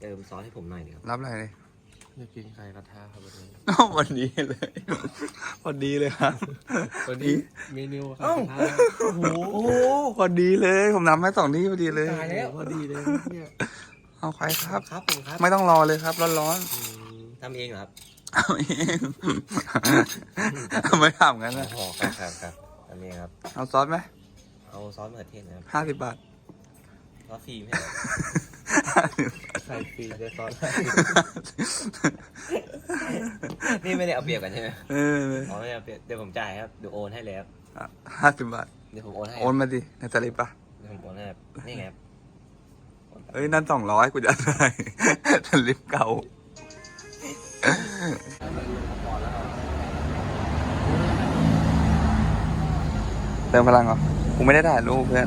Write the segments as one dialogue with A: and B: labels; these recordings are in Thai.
A: เติมซอสให้ผมหน่อยนึงครับ
B: รับอะไรเลย
C: อยากกินไข่กระทะครับวันนี้
B: วันนี้เลยวันนี้เลยครับ
C: วันนี้เมนูไข่กระทะ
B: โอ้โหพอดีเลยผมนำให้2ที่พอดีเลย
C: ตายแล้วพอดีเลยเนี่ย
B: เอาใครครับ
A: ครับผมครับ
B: ไม่ต้องรอเลยครับร้อน
A: ทำเองเหรอครับ
B: ๆเอาเองไม่ทำงั้นนะ
A: อ๋อครับทำเองครับ
B: เอาซอสไหม
A: เอาซอสมะเขือเทศนะครับ
B: 50 บาท
A: ซอสฟรีไหมครับ
C: ไข่ฟรีได้ซอส
A: นี่ไม่ได้เอาเปรียบกันใช่ไหม
B: เออ
A: อ๋อไม่ได้เอาเปรียบเดี๋ยวผมจ่ายครับเดี๋ยวโอนให้เลยครับ
B: 50 บาท
A: เดี๋ยวผมโอนให้
B: โอนมาดิในสลิปปะ
A: เดี๋ยวผมโอนให้ครับนี่ไงครับโอนไป
B: เอ้ยนั่น200กูจะได้สลิปเก่าเติมพลังเหรอกูไม่ได้ถ่ายรูปเพื่อน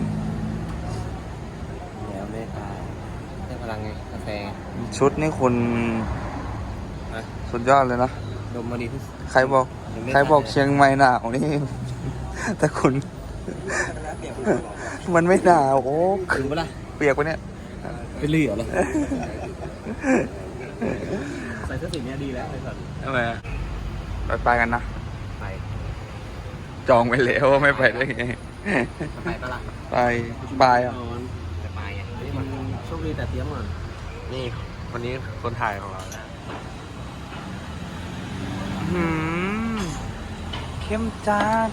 A: แล้วไม่ตายได้พลังไงกาแฟไง
B: ชุดนี่คุณ
A: นะ
B: สุดยอดเลยนะ
A: ดมมาดีที่สุด
B: ใครบอกเชียงใหม่หนาวนี่ แต่คุณ มันไม่หนาวโอ้
A: ถึงปะล่ะ
B: เปียกปะเนี่ย
A: เป็นเหลือเลยใส่เสื้อสีนี้ดีแล้วไอ้สัตว์
B: ทำไมอะไปกันนะ
A: ไป
B: จองไปแล้วไม่ไปได้ไง
A: ไปปะล่ะ
B: ไปอ่ะ
A: จะไปไง
C: นี่มันโชคดีแต่เตรียมก่อน
A: นี่วันนี้คนถ่ายของเรานะ
B: เข้มจัด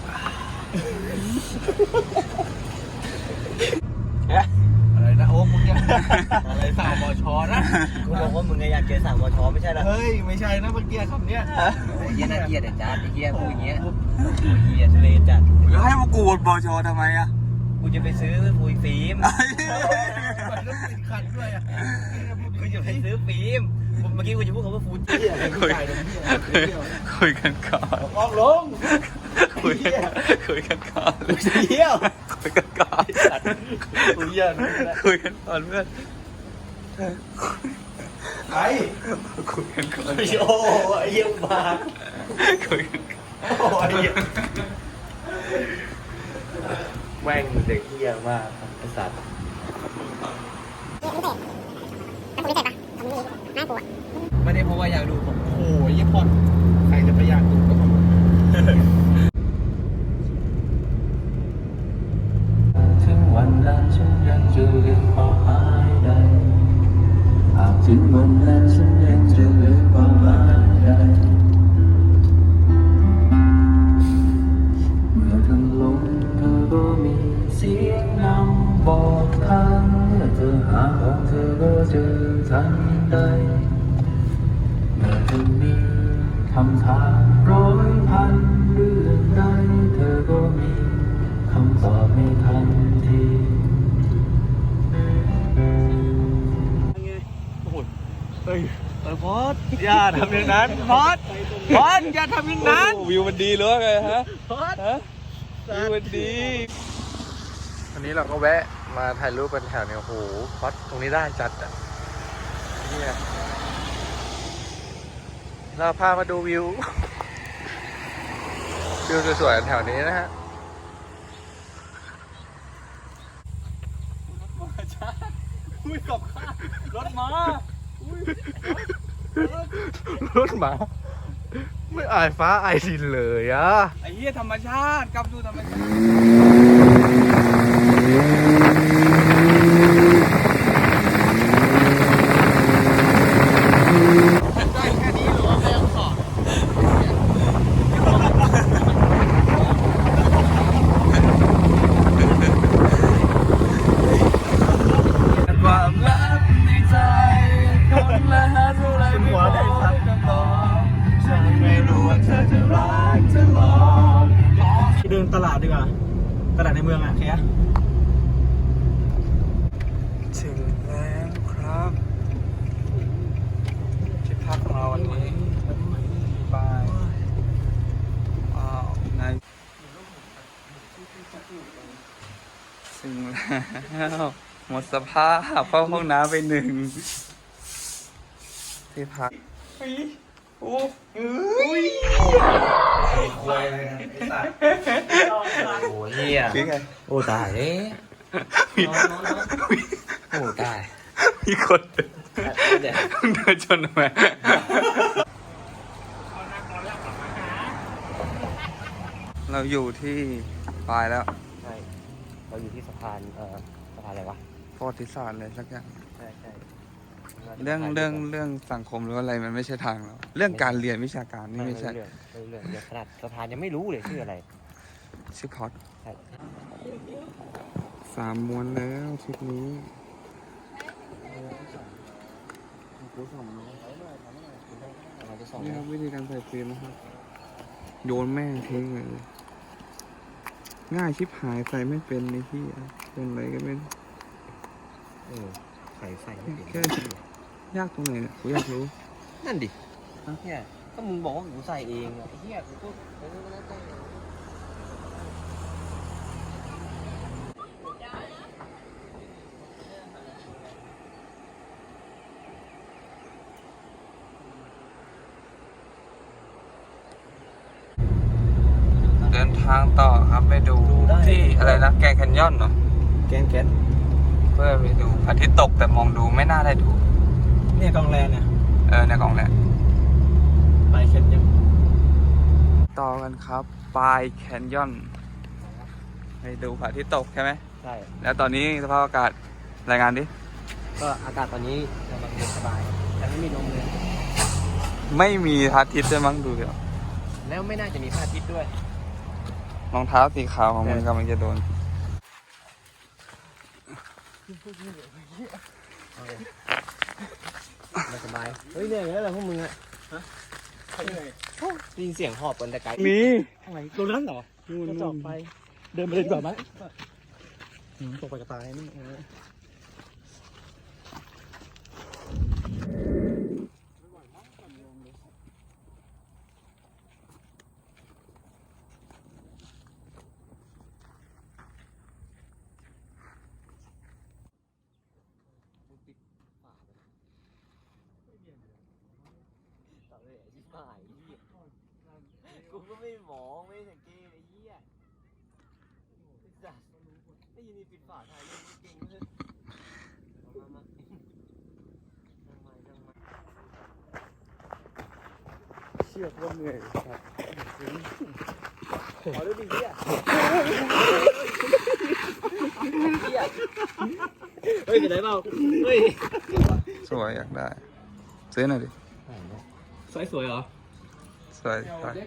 C: อะไรนะโอ้มึงเนี่ยอะไรสาวบอชอนะ
A: กูบอกว่ามึงอยากเจอสั่งมอชอไม่ใช่เหรอ
C: เฮ้ยไม่ใช่นะเมื่อกี้คำเนี้ย
A: ไอ้เหี้ยน่าเกลียดไอ้จ้าไอ้เหี้ยพูดอย่างเงี้ยโอ้ยเหี้ยทะเลจัด
B: แล้วให้มากูบอชอทำไมอ่ะ
A: กูจะไปซื้อฟูยฟิล์ม
C: มันต้องติดขัดด้วยอ่ะ
A: กูจะไปซื้อฟิล์มเมื่อกี้กูจะพูดคำว่าฟูจิ
C: เที่ยวอะไรผู้ชายเที่ยว
B: คุยกันก่อน
C: ออกลง
B: คุยกันก่อน
A: เที่ยว
B: คุยกันก่อน
C: กูเยี่ยน
B: คุยกันก่อนเพื่อน
C: ไอ้
B: คุยกันก่อน
A: โอ้ยเยี่ยมมาก
B: คุยกันก่อน
A: โอ้ยแม่งเด็กเหี้ยมากไอ้สัตว์
C: ไม่ได้เพราะว่าอยากดูผมโอ้ยยี่พอดใครจะไปอยากดูก็ผม
D: ถึงวันนั้นฉันยังจะลืมความหมายใดหากถึงวันนั้นฉันยังจะลืมความหมายใดเมื่อเธอลงเธอก็มีเสียงนำบอกทางเมื่อเธอหาของเธอก็เจอทันใดเมื่อเธอมีคำถาม100,000เรื่องใดเธอก็มีคำตอบในทันที
C: พอดอย่าทำอย่างนั้นพอดอย่าทำอย่างนั้น
B: วิวมันดีหรือว่าไงฮะ
C: พอด
B: วิวมันดี วันนี้เราก็แวะมาถ่ายรูปกันแถวเนี่ยโอ้โหวัดตรงนี้ได้จัดอ่ะเนี่ยเราพามาดูวิว วิวสวยๆแถวนี้นะฮะ
C: อุ้ยกับข้ารถมาร
B: ถหมา ไม่อายฟ้าอายดินเลยอ่ะ
C: ไอ้เหี้ยธรรมชาติกลับดูธรรมชาติ ได้แค่นี้หรือว่าไม่ต้องสอนความลับในใจคนละหาเท่าไรไม่บอกคำตอบฉันไม่รู้ว่าเธอจะรักจะลองเดินตลาดดีกว่าตลาดในเมืองอ่ะแค่
B: ถึงแล้วครับที่พักของเราวันนี้บายว้าวในถึงแล้วหมดสภาพเข้าห้องน้ำไป1ที่พักโอ้ย
A: ควยอะไรนะไอ้สัตว์โอ้ยเหี้ย
B: นี่ไง
A: โอ้ตายเอ๊ะ
B: มี
A: โอ้ตาย
B: มีคนเดิน
C: เดี๋ยว
B: เดินชนทำไมเราอยู่ที่ปลายแล้ว
C: ใช่เราอยู่ที่สะพานสะพานอะไรวะ
B: ประวัติศาสตร์เลยสักอย่าง
C: ใช่ใช่
B: เรื่องสังคมหรืออะไรมันไม่ใช่ทางเราเรื่องการเรียนวิชาการนี่ไม่ใช่
C: เรื่องขนาดสะพานยังไม่รู้เลยชื่ออะไร
B: ชื่อพอด
C: ใช่
B: 3 ม้วนแล้วทริปนี้
C: เราจะส่ง
B: นี่ครับวิธีการใส่ฟิล์มนะครับโยนแม่งทิ้งเลยง่ายชิบหายใส่ไม่เป็นในที่เป็นอะไรก็ไม่รู้
C: ใส่ไม่เป็น
B: แค่ยากตรงไหนเนี่ยกูอยากรู้
C: นั่นดิเนี่ยก็มึงบอกว่ากูใส่เองอะไอ้เหี้ยกูก็แล้วแต่
B: เดินทางต่อครับไปดูที่อะไรนะแกรนด์แคนยอนเหรอ
C: แกน
B: เพื่อไปดูพระอาทิตย์ตกแต่มองดูไม่น่าได้ดู
C: เนี่ยกองแรงเนี่ย
B: ในกล่องแหละ
C: ไปเช็ดยัง
B: ต่อกันครับปลายแคนยอนไปดูพระอาทิตย์ตกใช่ไหม
C: ใช่
B: แล้วตอนนี้สภาพอากาศรายงานดิ
C: ก็อากาศตอนนี้กำลังเย็นสบายแต่ไม่มีลมเลย
B: ไม่มีพระอาทิตย์ด้วยมั้งดูเดี๋ยว
C: แล้วไม่น่าจะมีพระอาทิตย์ด้วย
B: รองเท้าสีขาวของมึงกำลังจะโดน
C: ไม่สบายเฮ้ยเนี่ยแล้วพวกมึงอะได้ยินเสียงหอบกันแต่ไกล
B: มี
C: อะไรตรงนั้นเหรอจะจอบไป เดินไปเลยดีกว่าไหมตกไปกระตายนี่กูก็ไม่มองไม่สังเกตไอ้เหี้ยจัดได้ยินมีปิดฝาถ่ายเล่นเก่งเลยมาเชื่อว่าเหนื่อยครับขอดูดิเหี้ยเฮ้ยเป็นไรเปล่าเฮ้ย
B: สวยอยากได้ซื้อหน่อยดิ
C: สวยเหรอ
B: สวย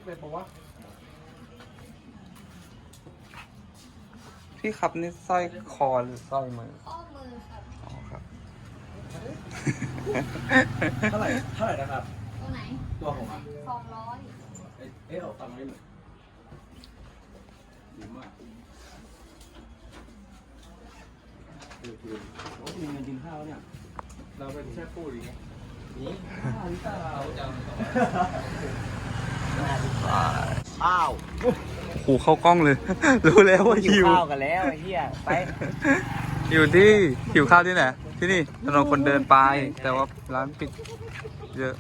B: พี่ครับนี่สร้อยคอหรือสร้อยมือ
E: ข้อมือครับ
B: อ๋อครับ
C: เท่าไหร่นะครับ
E: ตัวไหน
C: ตัวผมอ่ะ
E: 200
C: เอาตังค์ไม่หมดดีมากโอ้มีเงินกินข้าวเนี่ย
B: เราเป็นแค่พูดอย่างเงี้ย
C: นี่ข้าว
B: หูเข้ากล้องเลย รู้แล้วว่า
C: หิ
B: หิ
C: ว
B: ว
C: ข้าวกันแล้วไอ้เหี้ยไป
B: อยู่ที่หิวข้าวที่ไหนที่นี่ถนนคนเดินไปแต่ว่าร้านปิดเยอะ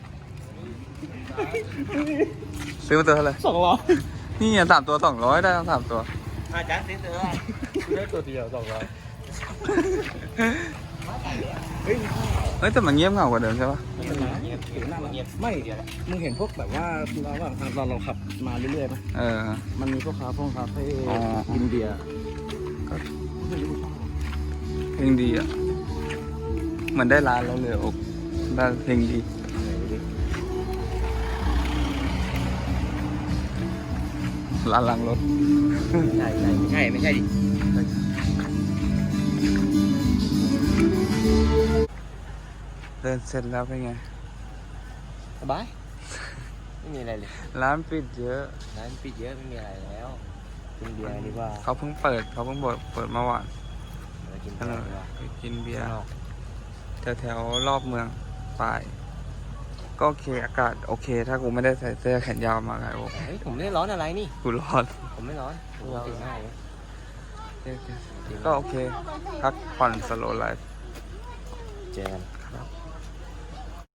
B: ซื้อมาตัวเท่าไหร่
C: 200
B: นี่3 ตัว 200ได้ทั้ง3 ตัว
C: อาจารย์ซื้อได้ตัวเดียว200เฮ้ย
B: แต่มันเงียบเหงากว่าเดิมใช่ปะ
C: เงียบไม่มึงเห็นพวกแบบว่าเราขับมาเรื่อยๆไหม มันมีพวกคาเฟ่
B: อ๋อ
C: กินเบียร์
B: เพลงดีอ่ะเหมือนได้ร้านแล้วเลยอกได้เพลงดีร้านล้างรถ
C: ไม่ใช่ดิ
B: เดินเสร็จแล้วเป็นไง
C: สบายไม่มีอะไรเลย
B: ร้านปิดเยอะ
C: ร้านปิดเยอะไม่มีอะไรแล้วกินเบียร์ดีกว่า
B: เขาเพิ่งเปิดเมื่อวาน
C: เรากิน
B: ก็
C: เบี
B: เลย
C: ร์ดีกว่า
B: ไปกินเบียร์
C: ข้างนอก
B: แถวๆรอบเมืองปลายก็โอเคอากาศโอเค ถ้ากูไม่ได้ใส่เสื้อแขนยาวมาไงโอ้
C: เฮ้ยผมไม่ได้ร้อนอะไรนี่
B: กูร้อน
C: ผมไม่ร้อนผมตื่นง่ายเลย
B: ก็โอเคพักผ่อนสโลว์ไลฟ์
C: เจอกัน
B: ค